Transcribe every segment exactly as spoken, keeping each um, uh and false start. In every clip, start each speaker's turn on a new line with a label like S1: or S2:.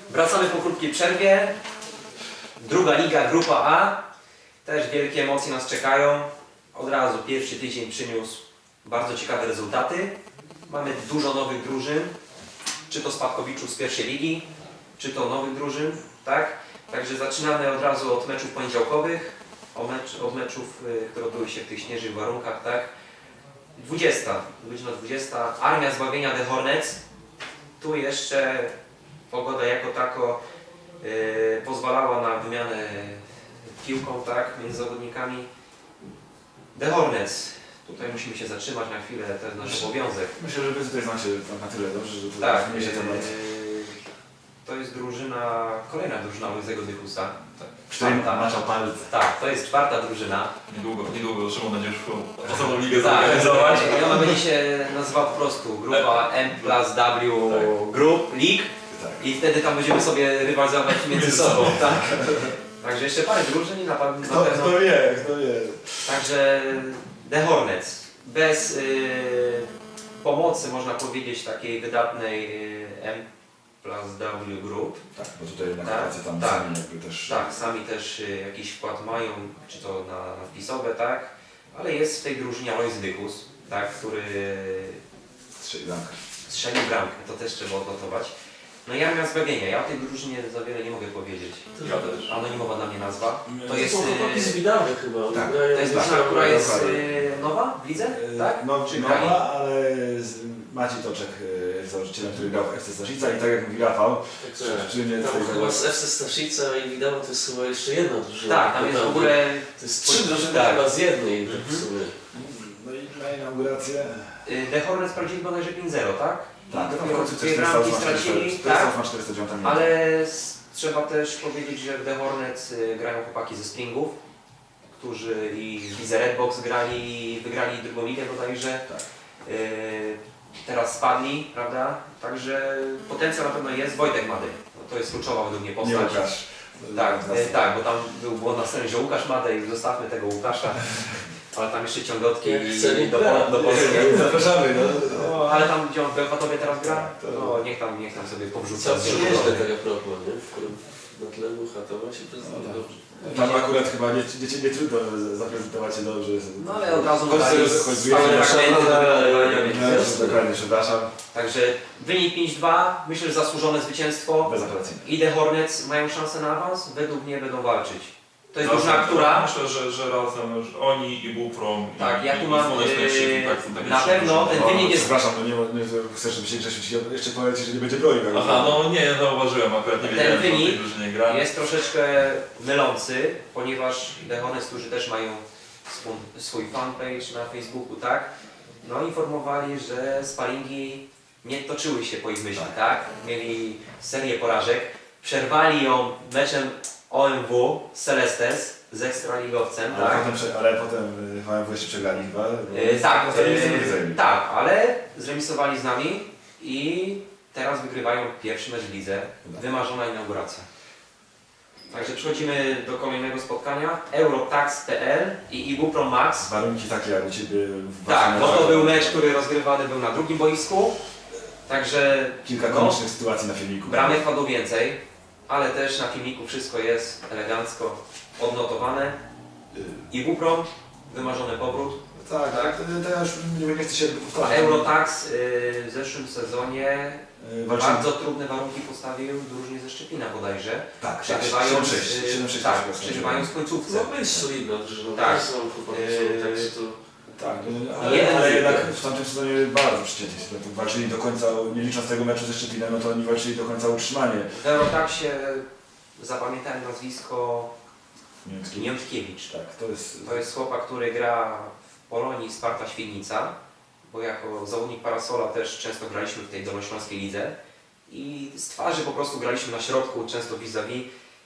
S1: Wracamy po krótkiej przerwie. Druga liga, grupa A. Też wielkie emocje nas czekają. Od razu pierwszy tydzień przyniósł bardzo ciekawe rezultaty. Mamy dużo nowych drużyn. Czy to spadkowiczów z pierwszej ligi, czy to nowych drużyn, tak? Także zaczynamy od razu od meczów poniedziałkowych. O mecz, od meczów, y, które odbyły się w tych śnieżnych warunkach, tak? dwudziesta, godzina dwudziesta. Armia Zbawienia The Hornets. Tu jeszcze pogoda jako tako y, pozwalała na wymianę piłką, tak, między zawodnikami. The Hornets. Tutaj musimy się zatrzymać na chwilę, to jest nasz obowiązek.
S2: Myślę, że wy tutaj znacie na tyle dobrze, że to
S1: Tak,
S2: nie się temat.
S1: yy, to jest drużyna, kolejna drużyna Łysego Dychusa.
S2: Tak. Którym macza palce.
S1: Tak, to jest czwarta drużyna.
S3: Niedługo, niedługo Szymon będzie już osobną ligę
S1: Tak,
S3: zorganizować.
S1: i ona będzie się nazywała po prostu grupa M plus W
S3: Tak.
S1: Group League
S2: Tak.
S1: i wtedy tam będziemy sobie rywalizować między sobą, tak? Także jeszcze parę drużyn i na, na
S2: Kto,
S1: pewno.
S2: kto wie, kto wie.
S1: Także The Hornets. Bez y, pomocy, można powiedzieć, takiej wydatnej y, M plus W Group.
S2: Tak, bo tutaj na
S1: Tak,
S2: pracy tam
S1: tak.
S2: sami jakby też...
S1: Tak, sami też y, jakiś wkład mają, czy to na, na wpisowe, tak? Ale jest w tej drużynie Alois Dychus, tak, który
S2: Strzeli bramkę.
S1: strzelił bramkę, to też trzeba odnotować. No i Armia Zbawienia, ja o tej drużynie za wiele nie mogę powiedzieć.
S3: Ja też.
S1: Anonimowa dla mnie nazwa. To
S4: To
S1: jest,
S4: są chłopaki z
S1: y,
S4: Widawy chyba. oni
S2: tak,
S4: grają
S1: to jest
S4: na-
S1: drużyna, która jest
S2: dokładnie.
S1: y, nowa w lidze, tak?
S2: No,
S1: Czy grali?
S2: nowa, ale z- Maciej Toczek y, jest założycielem, który grał w F C Staszica i tak jak mówi Rafał,
S4: Także
S2: przy mnie
S4: tam
S2: tutaj
S4: chyba z F C Staszica i Widawa to jest chyba jeszcze jedna drużyna.
S1: Tak, tam jest w
S4: Naprawdę.
S1: ogóle
S4: To jest trzy drużyny
S1: Tak.
S4: chyba z jednej tak w
S1: Mhm.
S4: sumie.
S2: no i na inaugurację...
S1: y, The Hornets sprawdzili bodajże pięć zero, tak?
S2: Tak,
S1: I
S2: to w
S1: dopiero
S2: końcu
S1: dwie
S2: też
S1: bramki stracili, tak?
S2: na czterysta dziewięć minut.
S1: Ale s- trzeba też powiedzieć, że w The Hornets y, grają chłopaki ze Springów, którzy i w lidze Redbox grali i wygrali drugą ligę bodajże.
S2: Tak.
S1: Y, teraz spadli, prawda? Także potencjał na pewno jest. Wojtek Mady, no, to jest kluczowa według mnie
S2: Nie
S1: postać.
S2: Łukasz.
S1: Tak,
S2: Nas-
S1: y, tak, bo tam był błąd na scenie, że Łukasz Madej, zostawmy tego Łukasza. Ale tam jeszcze ciągotki
S4: Jak
S1: i
S4: chce, nie
S1: do,
S4: gra.
S1: do Polski.
S2: Zapraszamy, no.
S1: No, ale tam gdzie on w Bełchatowie teraz gra,
S2: Tak, to-
S1: no niech tam, niech tam sobie powrzuca.
S4: Co przyjeżdża tak a propos, nie? W którym na tle Chatowa się prezentuje
S2: No tak.
S4: dobrze.
S2: Tam akurat chyba nie, nie, nie trudno zaprezentować się dobrze.
S1: No ale od razu
S2: Chodź,
S1: dodali
S2: chodź,
S1: spalone
S2: chodź,
S1: fragmenty do
S4: chodź,
S1: wygrywania, więc-
S2: No, już dokładnie, przepraszam.
S1: Także wynik pięć dwa, myślę, że zasłużone zwycięstwo.
S2: Bezapelacyjnie.
S1: I The Hornets mają szansę na awans, według mnie będą walczyć. To jest
S3: No,
S1: drużyna, która...
S3: Myślę, że, że razem że oni i Buprom
S1: Tak,
S3: i,
S1: ja tu
S3: i,
S1: mam,
S3: i Słoneczny
S1: yy,
S3: Krzyk, tak, są takie
S1: na
S3: trzy
S1: pewno
S3: drużyny.
S1: ten wynik jest-
S2: Przepraszam, no nie, nie chcesz, żeby się Grzesiu ci jeszcze powiedzieć, że nie będzie broni. tak?
S3: Aha, no nie, zauważyłem akurat, nie
S1: Ten
S3: wiedziałem, że o
S1: wynik
S3: tej drużynie gra.
S1: jest troszeczkę mylący, ponieważ The Hornets, którzy też mają swój, swój fanpage na Facebooku, tak? No informowali, że sparingi nie toczyły się po ich myśli, tak? Mieli serię porażek, przerwali ją meczem O M W z Celestes, z ekstraligowcem,
S2: Ale,
S1: tak?
S2: potem, prze- ale potem y, H M W jeszcze przegrali chyba. bo-
S1: E, tak,
S2: Ostatnio nic nie
S1: e,
S2: zajęli.
S1: tak, ale zremisowali z nami i teraz wygrywają pierwszy mecz w lidze. Wymarzona inauguracja. Także przechodzimy do kolejnego spotkania. Eurotax kropka p l i Ibupro Max.
S2: Warunki takie jak u Ciebie w
S1: Tak,
S2: waszym
S1: bo to
S2: meczu.
S1: był mecz, który rozgrywany był na drugim boisku. Także
S2: Kilka
S1: no,
S2: komicznych sytuacji na filmiku.
S1: bramek padło więcej, ale też na filmiku wszystko jest elegancko odnotowane.
S2: Y,
S1: Ibupro, wymarzony powrót.
S2: Tak,
S1: Tak.
S2: tak. To, to ja już nie, nie chcę się powtarzać.
S1: Eurotax y, w zeszłym sezonie
S2: Y, walczyli-
S1: bardzo trudne warunki postawił drużynie ze Szczepina bodajże.
S2: Tak, tak.
S1: Przegrywając,
S2: siedem sześć,
S1: y,
S2: siedem sześć
S1: tak,
S2: na przykład.
S1: przegrywając w końcówce.
S4: No być solidna drużyna.
S1: Tak.
S4: Tak. Są chłopaki
S1: Eee,
S4: są tak, to...
S2: Tak, no, ale,
S1: Jeden
S2: ale
S1: z-
S2: jednak w tamtym sezonie bardzo przycięci. No, walczyli do końca, nie licząc tego meczu ze Szczepinem, no to oni walczyli do końca o utrzymanie.
S1: W Eurotaxie zapamiętałem nazwisko
S2: Niemiecki.
S1: Niemczkiewicz.
S2: Tak, to jest...
S1: To jest chłopak, który gra w Polonii Sparta Świdnica, bo jako zawodnik Parasola też często graliśmy w tej dolnośląskiej lidze i z twarzy po prostu graliśmy na środku, często vis-a-vis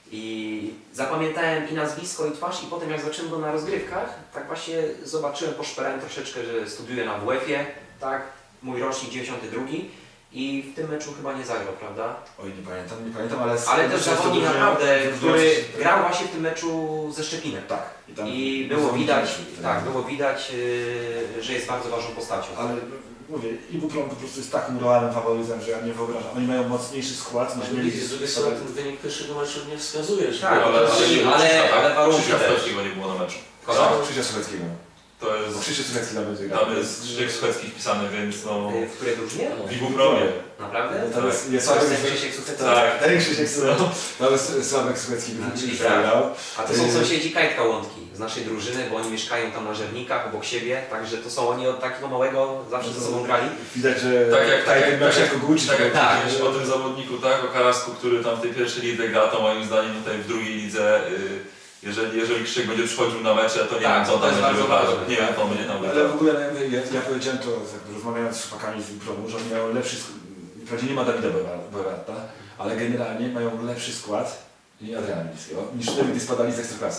S1: i zapamiętałem i nazwisko, i twarz i potem jak zobaczyłem go na rozgrywkach, tak właśnie zobaczyłem, poszperałem troszeczkę, że studiuję na W F-ie, tak, mój rocznik dziewięćdziesiąty drugi i w tym meczu chyba nie zagrał, prawda?
S2: Oj, nie pamiętam, nie pamiętam, ale...
S1: Ale też
S2: myślę, że to
S1: zawodnik
S2: drużyna-
S1: naprawdę, który
S2: drużyna-
S1: grał właśnie w tym meczu ze Szczepinem.
S2: Tak. tam
S1: I było
S2: zawodnicy
S1: widać,
S2: wyszli,
S1: tak, było widać, yy, że jest bardzo ważną postacią.
S2: Ale mówię, Ibuprom po prostu jest takim realnym faworytem, że ja nie wyobrażam. Oni mają mocniejszy skład niż
S4: Ale
S2: mieli.
S4: widzisz, z drugiej strony ten wynik pierwszego meczu nie wskazuje, że...
S1: Tak,
S3: ale,
S1: ale-
S3: ale,
S1: ale- ale warunki
S3: Krzysia
S1: też.
S3: Słucheckiego nie było na meczu.
S1: Kogo?
S2: Tak, Krzysia Słucheckiego.
S3: To
S2: Bo
S3: jest,
S2: Krzysiek Słuchecki tam będzie grał.
S3: tam jest Krzysiek Słuchecki wpisany, więc no...
S1: Y, W której drużynie?
S3: W Ibupromie.
S1: Naprawdę?
S2: Tam jest, jest
S1: Co jest
S2: Sławek,
S1: ten Krzysiek Słuchecki?
S3: Tak.
S2: ten Krzysiek Słuchecki, tam jest Sławek Słuchecki,
S1: A, czyli
S2: który
S1: brat.
S2: grał.
S1: A to są sąsiedzi Kajtka Łądki z naszej drużyny, bo oni mieszkają tam na Żernikach obok siebie, także to są oni od takiego małego zawsze ze sobą grali.
S2: Widać, że
S3: Tak jak- tak jak-
S2: ten miał się
S3: tak
S2: jako Gucci.
S3: Tak jak
S1: Tak.
S3: powiedziałeś o tym zawodniku, tak, o Karasku, który tam w tej pierwszej lidze gra, to moim zdaniem tutaj w drugiej lidze, y, jeżeli, jeżeli Krzysiek będzie przychodził na mecze, to nie
S1: Tak,
S3: wiem co
S1: to
S3: tam
S1: jest
S3: będzie
S1: bardzo
S3: wydarzał.
S1: ważne,
S3: Nie
S1: tak.
S3: wiem, co będzie tam
S2: Ale w
S3: wydarzał.
S2: ogóle ja, ja powiedziałem to, jakby rozmawiając z chłopakami z Ibupromu, że oni mają lepszy skład. Wprawdzie nie ma Dawida Bogarta, ale generalnie mają lepszy skład i Adriana Milińskiego niż wtedy, gdy spadali z Ekstraklasy.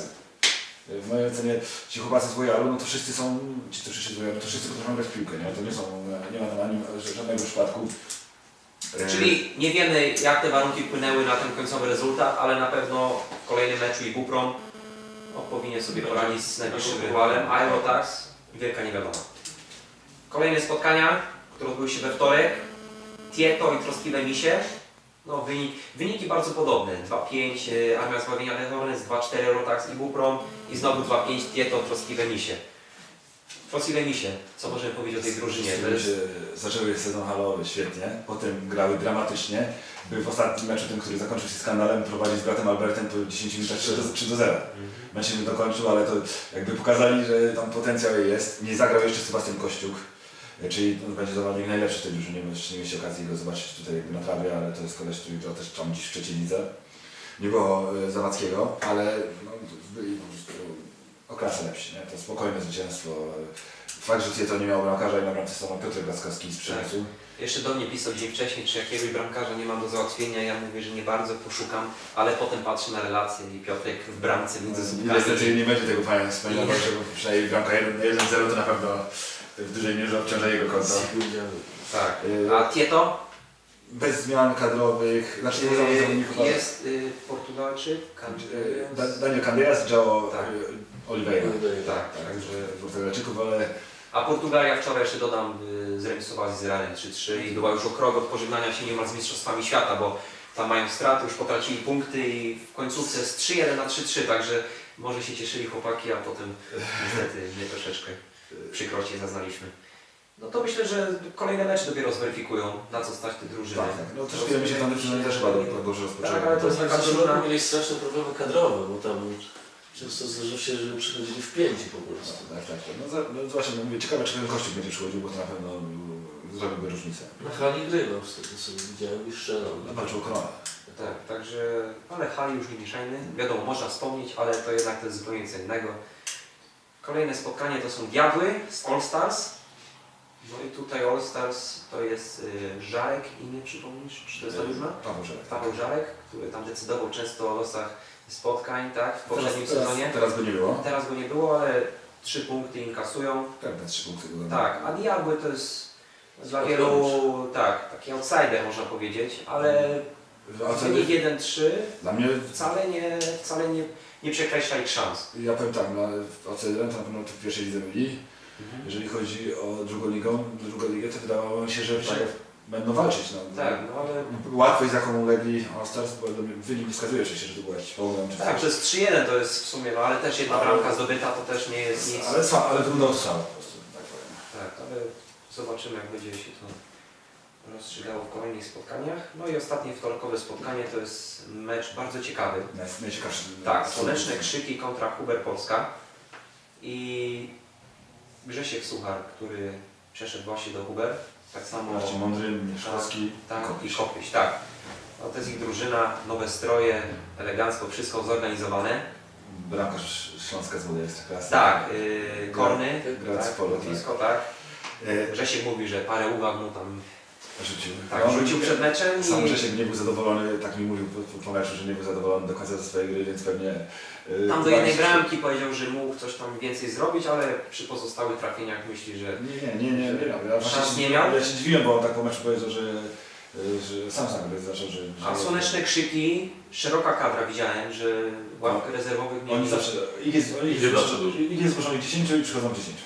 S2: W mojej ocenie ci chłopacy z Royalu, no to wszyscy są, ci co przyszli z Royalu, to wszyscy potrafią grać w piłkę, nie? To nie są, nie ma tam ani żadnego przypadku. E,
S1: Czyli nie wiemy jak te warunki wpłynęły na ten końcowy rezultat, ale na pewno w kolejnym meczu Ibuprom no, powinien sobie poradzić z najbliższym rywalem, a Eurotax wielka niewiadoma. Kolejne spotkania, które odbyły się we wtorek, Tieto i Troskliwe Misie. No, wynik, wyniki bardzo podobne. dwa pięć y, Armia Zbawienia Hornets, dwa cztery Eurotax Ibuprom i znowu dwa pięć Tieto, Troskliwe Misie. Troskliwe Misie, co możemy powiedzieć o tej drużynie? To jest...
S2: się zaczęły sezon halowy świetnie, potem grały dramatycznie. By w ostatnim meczu, tym, który zakończył się skandalem, prowadzić z bratem Albertem po dziesięciu minutach trzy do zera. Mecz się nie dokończył, ale to jakby pokazali, że tam potencjał jest. Nie zagrał jeszcze Sebastian Kościuk, czyli on będzie zawodnik najlepszy w tej drużynie, bo jeszcze nie mieliście okazji go zobaczyć tutaj jakby na trawie, ale to jest koleś, który grał też tam dziś w trzeciej lidze. Nie było e, Zawadzkiego, ale no, byli po prostu o klasę lepsi, nie? To spokojne zwycięstwo. Fakt, że Tieto nie miał bramkarza i na bramce stanął Piotr Glaskowski z Przemysłu.
S1: Jeszcze do mnie pisał dzień wcześniej, czy jakiegoś bramkarza nie mam do załatwienia. Ja mówię, że nie bardzo poszukam, ale potem patrzę na relacje i Piotrek w bramce między
S2: I
S1: słupkami.
S2: niestety nie będzie tego fajnie wspominał, że przynajmniej bramka jeden zero to na pewno w dużej mierze obciąża jego konto.
S1: Tak.
S2: Y,
S1: A Tieto?
S2: Bez zmian kadrowych, znaczy nie
S1: Yy,
S2: zawodników.
S1: jest y, Portugalczyk,
S2: Y,
S1: Candelas.
S2: Da- Daniel Candeias, João
S1: Tak.
S2: y, Oliveira.
S1: Tak,
S2: Tak,
S1: także...
S2: że Portugalczyków, ale
S1: A Portugalia wczoraj jeszcze dodam, y, zremisowała z Izraelem trzy trzy i była już o krok od pożegnania się niemal z Mistrzostwami Świata, bo tam mają straty, już potracili punkty i w końcówce z trzy jeden na trzy trzy, także może się cieszyli chłopaki, a potem niestety my troszeczkę przykrości zaznaliśmy. No to myślę, że kolejne mecze dopiero zweryfikują, na co stać te drużyny.
S2: tak, tak. No troszkę mi się tam drużyny też chyba do- dobrze rozpoczęły.
S1: Tak, ale to jest taka drużyna...
S4: mieli straszne problemy kadrowe, bo tam często zdarzyło się, że przychodzili w pięci po prostu.
S2: Tak, tak, tak. No, za, no właśnie, no mówię, ciekawe czy ten Kościół będzie przychodził, bo to na pewno y, zrobiłby różnicę.
S4: Na hali grywał z tego co widziałem i strzelał.
S2: Walczył o koronę.
S1: Tak, także, ale hali już nie mieszajmy. Wiadomo, można wspomnieć, ale to jednak to jest zupełnie co innego. Kolejne spotkanie to są Diabły z All Stars. No i tutaj All Stars to jest y, Żarek, imię przypomnisz? Czy to jest ta drużyna?
S2: Paweł Żelek.
S1: Paweł Żarek, który tam decydował często o losach spotkań, tak, w poprzednim
S2: teraz,
S1: sezonie.
S2: Teraz, teraz go nie było.
S1: Teraz go nie było, ale trzy punkty inkasują.
S2: Pewne trzy punkty go
S1: Tak, a Diabły to jest dla wielu, tak, taki outsider można powiedzieć, ale
S2: A co,
S1: wynik jeden trzy
S2: dla mnie,
S1: wcale nie, wcale nie, nie przekreśla ich szans.
S2: ja powiem tak, no, outsiderem to na pewno w pierwszej lidze byli. Jeżeli chodzi o drugą ligę, drugą ligę, to wydawało mi się, że
S1: Tak.
S2: będą walczyć. No.
S1: Tak, no ale
S2: Łatwość, z jaką ulegli All Stars, bo wynik nie wskazuje oczywiście, że to był jakiś problem. Czy
S1: tak,
S2: coś.
S1: przez trzy jeden to jest w sumie, no ale też jedna
S2: Ale-
S1: bramka zdobyta to też nie jest nic.
S2: Ale, sła- ale wyglądał to samo po prostu, tak powiem.
S1: Tak, ale zobaczymy jak będzie się to rozstrzygało w kolejnych spotkaniach. No i ostatnie wtorkowe spotkanie to jest mecz bardzo ciekawy.
S2: Naj- Najciekawszy.
S1: Tak, Słoneczne Krzyki kontra Huber Polska i Grzesiek Suchar, który przeszedł właśnie do Huber, tak samo
S2: Marcin Mądry, Mieszkowski,
S1: tak,
S2: Kopyś.
S1: i Kopyś, tak. No, to jest ich drużyna, nowe stroje, elegancko, wszystko zorganizowane.
S2: Bramkarz Śląska z Wody Ekstraklasy.
S1: Tak, yy, Korny,
S2: Grać
S1: tak,
S2: z polo,
S1: lotnisko, tak.
S2: E,
S1: Grzesiek mówi, że parę uwag mu tam
S2: Rzucił.
S1: tak,
S2: No,
S1: rzucił przed meczem
S2: Sam
S1: i
S2: Grzesiek nie był zadowolony, tak mi mówił po, po meczu, że nie był zadowolony do końca ze swojej gry, więc pewnie... e,
S1: tam do
S2: uwagi
S1: jednej
S2: się-
S1: bramki powiedział, że mógł coś tam więcej zrobić, ale przy pozostałych trafieniach myśli, że
S2: Nie, nie, nie, nie, nie miał. Ja właśnie
S1: Szans
S2: się-
S1: nie miał?
S2: Ja się dziwiłem, bo on tak po meczu powiedział, że, że sam sam gry zaczął, że...
S1: a
S2: że
S1: Słoneczne Krzyki, szeroka kadra widziałem, że ławkę rezerwowych
S2: Oni
S1: mieli.
S2: zawsze... Ich jest, ich
S3: Idzie
S2: jest,
S3: zawsze dużo.
S2: ich jest zgłoszonych dziesięciu i przychodzą dziesięciu.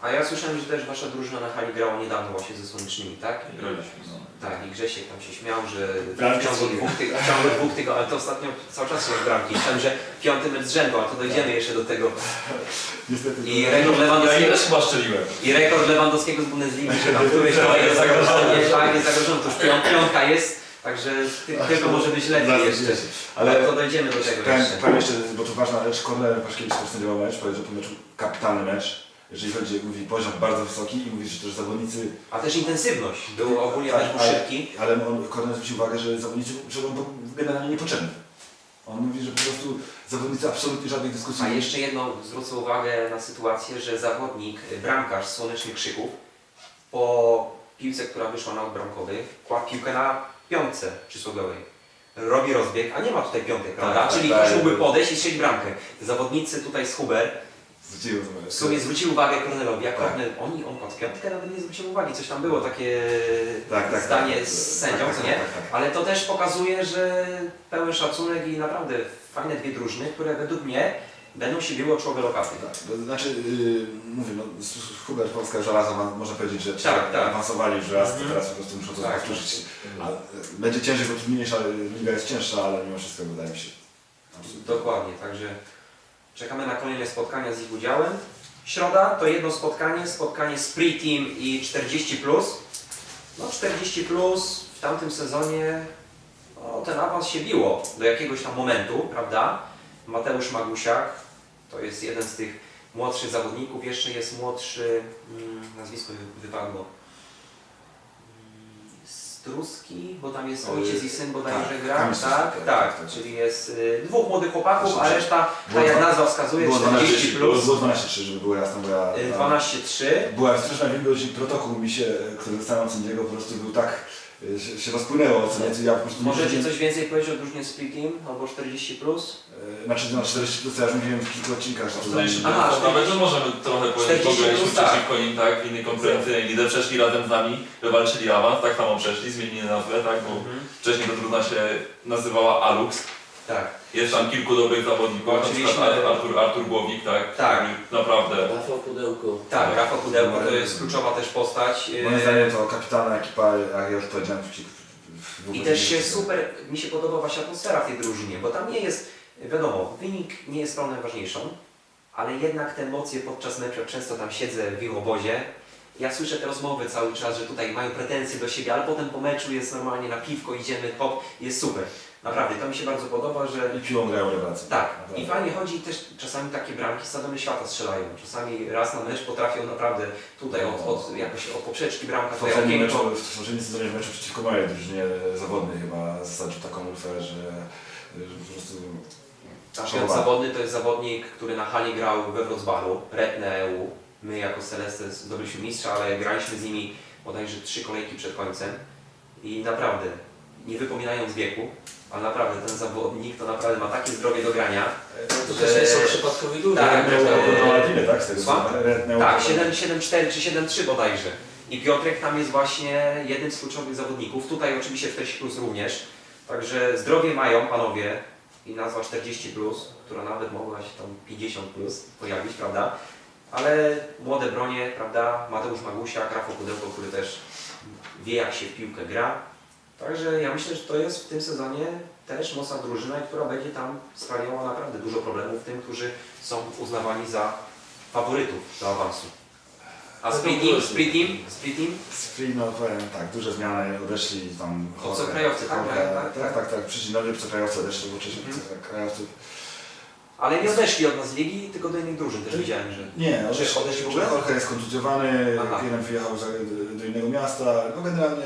S1: A ja słyszałem, że też wasza drużyna na hali grała niedawno właśnie ze Słonecznymi, tak?
S3: Graliśmy. No.
S1: Tak, i Grzesiek tam się śmiał, że
S2: Bramki
S1: w ciągu
S2: strzelił.
S1: dwóch, tyg- w ciągu dwóch tygodni, ale to ostatnio cały czas są bramki. Myślałem, że piąty mecz z rzędu, a to dojdziemy jeszcze do tego.
S2: Niestety.
S1: I rekord
S3: Ja
S1: Lewandowskiego,
S3: też chyba strzeliłem.
S1: i rekord Lewandowskiego z Bundesligi, że tam któryś
S3: Tak,
S1: jest
S3: jest
S1: zagrożony,
S3: zagrożony.
S1: tak, jest zagrożony, to już pią- piątka jest, także ty, tylko może być lepiej
S2: Zaraz
S1: jeszcze.
S2: wiecie.
S1: Ale
S2: Ale
S1: to dojdziemy do tego
S2: powiem,
S1: jeszcze.
S2: powiem jeszcze, bo to ważna rzecz, Kornel Paszkiewicz też sędziował mecz, powiedział po meczu kapitalny mecz. Jeżeli chodzi, mówi poziom bardzo wysoki i mówi, że też zawodnicy...
S1: A też intensywność, był ogólnie
S2: Tak,
S1: też był
S2: ale-
S1: szybki.
S2: Ale on, Kornel zwrócił uwagę, że zawodnicy, że on był generalnie niepotrzebny. On mówi, że po prostu zawodnicy absolutnie żadnych dyskusji
S1: A
S2: nie...
S1: jeszcze jedną zwrócę uwagę na sytuację, że zawodnik, bramkarz z Słonecznych Krzyków po piłce, która wyszła na odbramkowy, kładł piłkę na piątce przysłowiowej. Robi rozbieg, a nie ma tutaj piątek, prawda?
S2: tak,
S1: Czyli
S2: tak.
S1: ktoś mógłby podejść i strzelić bramkę. Zawodnicy tutaj z Huber
S2: Zwrócił
S1: w sumie zwrócili uwagę Kornelowi, a
S2: Tak.
S1: Kornel, oni, on kładł piątkę, nawet nie zwrócił uwagi. Coś tam było, takie
S2: Tak, tak,
S1: zdanie
S2: tak,
S1: z
S2: tak,
S1: sędzią,
S2: tak,
S1: co
S2: tak,
S1: nie?
S2: tak, tak.
S1: Ale to też pokazuje, że pełen szacunek i naprawdę fajne dwie drużyny, które według mnie będą się biły o czołowe lokaty.
S2: Tak, to znaczy, yy, mówię, no, s- s- Hubert Polska żelaza, ma- można powiedzieć, że
S1: Tak, tak.
S2: awansowali już raz, to
S1: Mhm.
S2: teraz po prostu muszą to
S1: Tak.
S2: powtórzyć. A, y, będzie ciężej, bo trudniejsza liga jest cięższa, ale mimo wszystko wydaje mi się. absolutnie.
S1: Dokładnie, także czekamy na kolejne spotkania z ich udziałem. Środa to jedno spotkanie, spotkanie Spree Team i czterdzieści plus. No czterdzieści plus w tamtym sezonie no, ten awans się biło do jakiegoś tam momentu, prawda? Mateusz Magusiak to jest jeden z tych młodszych zawodników, jeszcze jest młodszy, mm, nazwisko wy- wypadło. Mm, Struski, bo tam jest ojciec i syn bodajże
S2: tak,
S1: gra,
S2: Kamil
S1: tak,
S2: Struski,
S1: tak,
S2: tak, tak.
S1: czyli jest y, dwóch młodych chłopaków, a reszta,
S2: Było
S1: tak jak
S2: dwa-
S1: nazwa wskazuje,
S2: Było
S1: czterdzieści
S2: dwanaście
S1: plus,
S2: było dwanaście trzy, żeby było jasne, bo ja...
S1: y, dwanaście trzy.
S2: Była straszna wilgoć i protokół mi się, który dostałem od sędziego, po prostu był tak, y, się, się rozpłynęło, co nie, ja po prostu...
S1: Możecie
S2: nie-
S1: coś więcej powiedzieć o drużynie Split Team albo czterdzieści plus?
S2: y, Znaczy na czterdzieści plus, ja już mówiłem w kilku odcinkach, że to dla mnie...
S1: Aha,
S3: Aha, nawet że możemy trochę powiedzieć, bo
S1: czterdzieści
S3: graliśmy
S1: plus, tak.
S3: przeciwko nim, tak, w innej konkurencyjnej lidze, przeszli razem z nami, wywalczyli awans, tak samo przeszli, zmienili nazwę, tak, bo wcześniej ta drużyna się nazywała Alux.
S1: Tak.
S3: Jest tam kilku dobrych zawodników, na
S1: Oczywiście.
S3: przykład Artur, Artur Głownik, tak,
S1: Tak.
S3: który naprawdę
S4: Rafał Pudełko.
S1: Tak, Rafał Pudełko to jest kluczowa też postać.
S2: Moim
S1: y,
S2: zdaniem to kapitalna ekipa, jak ja już powiedziałem, w, w, w
S1: I też się super, mi się podoba właśnie atmosfera w tej drużynie, bo tam nie jest, wiadomo, wynik nie jest sprawą najważniejszą, ale jednak te emocje podczas meczu, jak często tam siedzę w ich obozie, ja słyszę te rozmowy cały czas, że tutaj mają pretensje do siebie, ale potem po meczu jest normalnie na piwko, idziemy, hop, jest super. Naprawdę, to mi się bardzo podoba, że...
S2: I piłą grają rewelację.
S1: Tak,
S2: Naprawdę.
S1: i fajnie chodzi też czasami takie bramki z stadiony świata strzelają. Czasami raz na mecz potrafią naprawdę tutaj od, od jakoś od poprzeczki bramka,
S2: W
S1: tutaj
S2: poprzednim meczu,
S1: okienko.
S2: w poprzednim sezonie w meczu przeciwko mojej drużynie zawodnej chyba zasadził taką lufę, że, że po prostu...
S1: Nasz zawodny to jest zawodnik, który na hali grał we Wrocławiu, Retne E U. My jako Celeste zdobyliśmy mistrza, ale graliśmy z nimi bodajże trzy kolejki przed końcem. I naprawdę, nie wypominając wieku, ale naprawdę ten zawodnik to naprawdę ma takie zdrowie do grania.
S4: To też nie są przypadkowi ludzie.
S1: Tak,
S2: Redneu
S1: tak.
S2: na Latwinę, tak? Z tego
S1: Słucham?
S2: co- Redneu-
S1: Tak, siedem siedem cztery czy siedem trzy bodajże. I Piotrek tam jest właśnie jednym z kluczowych zawodników. Tutaj oczywiście czterdzieści plus również. Także zdrowie mają panowie i nazwa czterdzieści plus, która nawet mogła się tam pięćdziesiąt plus pojawić, prawda? Ale młode bronie, prawda? Mateusz Magusiak, Rafał Pudełko, który też wie jak się w piłkę gra. Także ja myślę, że to jest w tym sezonie też mocna drużyna, która będzie tam sprawiała naprawdę dużo problemów tym, którzy są uznawani za faworytów do awansu. A Split Team, Split Team, Split Team?
S2: Spree, no powiem tak, duże zmiany, odeszli tam...
S1: Obcokrajowcy, tak,
S2: Jorge-
S1: tak, tak,
S2: tak, tak, tak, przyszli nowi obcokrajowcy, odeszli, bo wcześniej
S1: Mhm.
S2: obcokrajowców...
S1: Ale nie odeszli od nas z ligi, tylko do innych drużyn też widziałem, że...
S2: Nie,
S1: Czy
S2: odeszli,
S1: odeszli w ogóle?
S2: Jorge jest kontuzjowany,
S1: Aha.
S2: jeden wyjechał za, do innego miasta, no generalnie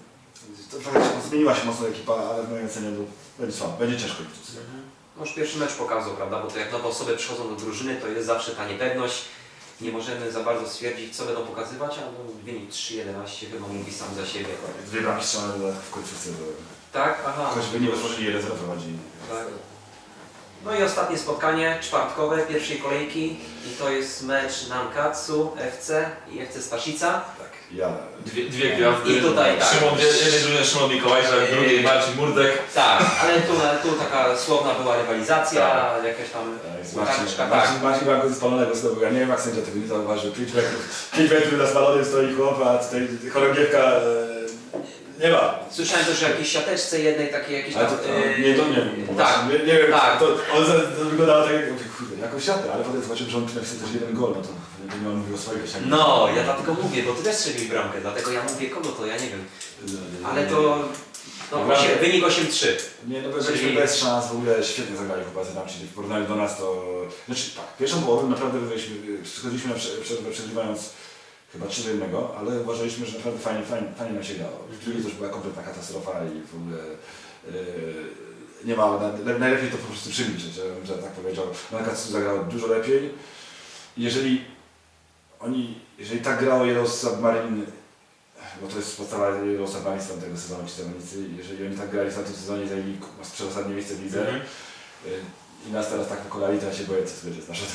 S2: to trochę się, zmieniła się mocno ekipa, ale w mojej ocenie no, będzie słabo, będzie ciężko.
S1: No już pierwszy mecz pokazał, prawda, bo to jak nowe osoby przychodzą do drużyny, to jest zawsze ta niepewność. Nie możemy za bardzo stwierdzić, co będą pokazywać, a no, wynik trzy jedenaście chyba mówi sam za siebie.
S2: Dwie bramki strzelane w końcówce, bo
S1: Tak? Aha.
S2: choćby nie otworzyli jeden zero prowadzili.
S1: Tak. No i ostatnie spotkanie czwartkowe pierwszej kolejki i to jest mecz Nankatsu F C i F C Staszica.
S2: Tak. Ja.
S3: Dwie, dwie gwiazdy.
S1: I tutaj tak.
S3: Szymon, w jednej drużynie Szymon Mikołajczak, w drugiej Marcin Murdek.
S1: Tak, ale tu, tu taka słowna była rywalizacja,
S3: Tak.
S1: jakaś tam
S2: Tak, Marcin,
S1: karteczka, tak.
S2: Marcin, Marcin Blanko ze spalonego znowu. Ja nie wiem jak sędzia tego nie zauważył. pięć metrów, pięć metrów na spalonym stoi chłop, a tutaj chorągiewka e, nie ma.
S1: Słyszałem też o jakiejś siateczce jednej takiej jakieś
S2: Ale
S1: tam...
S2: to,
S1: yy,
S2: nie, to nie wiem.
S1: Tak,
S2: Nie, nie wiem,
S1: tak.
S2: to, on za- to wyglądało tak, jak mówię, kurde, jakąś siatę, ale potem zobaczyłem, że on napisał też jeden gol, no to nie on mówił o swojej siatce.
S1: No, ja dlatego mówię, bo ty też strzeliłeś bramkę, dlatego ja mówię kogo to, ja nie wiem. Ale to... No,
S2: Dobra.
S1: osiem, wynik osiem trzy.
S2: Nie, no bo byliśmy
S1: Czyli-
S2: bez szans, w ogóle świetnie zagrali chłopacy tam, czyli w porównaniu do nas to... Znaczy tak, pierwszą połowę naprawdę wygraliśmy, schodziliśmy na prze- przerwę przegrywając chyba trzy do jednego, ale uważaliśmy, że naprawdę fajnie, fajnie, fajnie nam się grało. W drugiej to już była kompletna katastrofa i w ogóle... Yy, nie ma, na, najlepiej to po prostu przemilczeć, że, że tak powiedział. Nakatsu zagrał dużo lepiej. Jeżeli oni, jeżeli tak grało Yellow Submarine, bo to jest podstawa Yellow Submarine z tamtego sezonu, ci zawodnicy, jeżeli oni tak grali w tamtym sezonie, zajęli przedostatnie miejsce w lidze
S1: Mhm.
S2: yy, i nas teraz tak pokolali, to ja się boję, co będzie z naszą.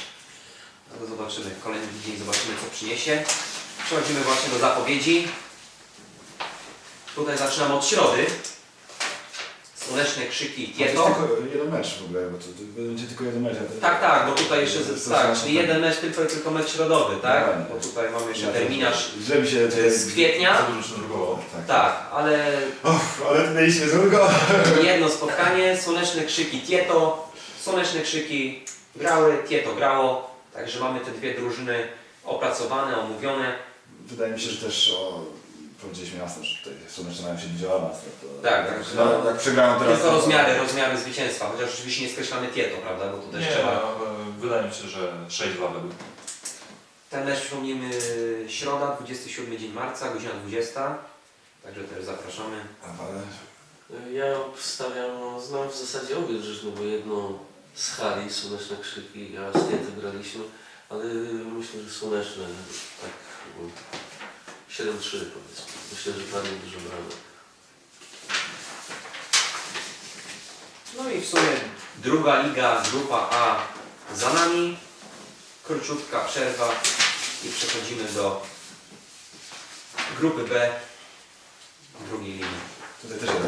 S1: No to zobaczymy, kolejny tydzień zobaczymy co przyniesie. Przechodzimy właśnie do zapowiedzi. Tutaj zaczynam od środy. Słoneczne krzyki
S2: To jest
S1: Tieto.
S2: tylko jeden mecz w ogóle, bo to, to będzie tylko jeden mecz. a to-
S1: Tak, tak, bo tutaj jeszcze,
S2: to- to-
S1: tak,
S2: to-
S1: czyli jeden mecz, tylko, tylko mecz środowy, tak?
S2: Dokładnie.
S1: Bo tutaj mamy jeszcze
S2: Ja to-
S1: terminarz
S2: Źle mi się tutaj...
S1: z kwietnia.
S3: Za dużo się drugowało.
S2: Tak.
S1: Tak, ale
S2: Och, ale mieliśmy złego.
S1: jedno spotkanie, słoneczne krzyki Tieto, słoneczne krzyki grały, Tieto grało, także mamy te dwie drużyny opracowane, omówione.
S2: Wydaje mi się, że też o, powiedzieliśmy jasno, że tutaj słoneczne mają się bić o awans. To,
S1: Tak,
S2: jak,
S1: tak.
S2: no, jak przegrają teraz...
S1: Tylko
S2: to-
S1: rozmiary, rozmiary zwycięstwa, chociaż oczywiście nie skreślamy Tieto, prawda, bo tu też
S3: Nie,
S1: trzeba.
S3: e, wydaje mi się, że sześć dwa według.
S1: Ten mecz przypomnijmy środa, dwudziesty siódmy dzień marca, godzina dwudziesta, także też zapraszamy.
S2: Ale
S4: Ja obstawiam, no, znam w zasadzie obie drużyny, bo jedną z hali, Słoneczne Krzyki, a z Tiety graliśmy, ale myślę, że Słoneczne, tak um, siedem trzy powiedzmy. Myślę, że padnie dużo bramek.
S1: No i w sumie druga liga, grupa A za nami, króciutka przerwa i przechodzimy do grupy B drugiej ligi.
S2: tutaj też jeden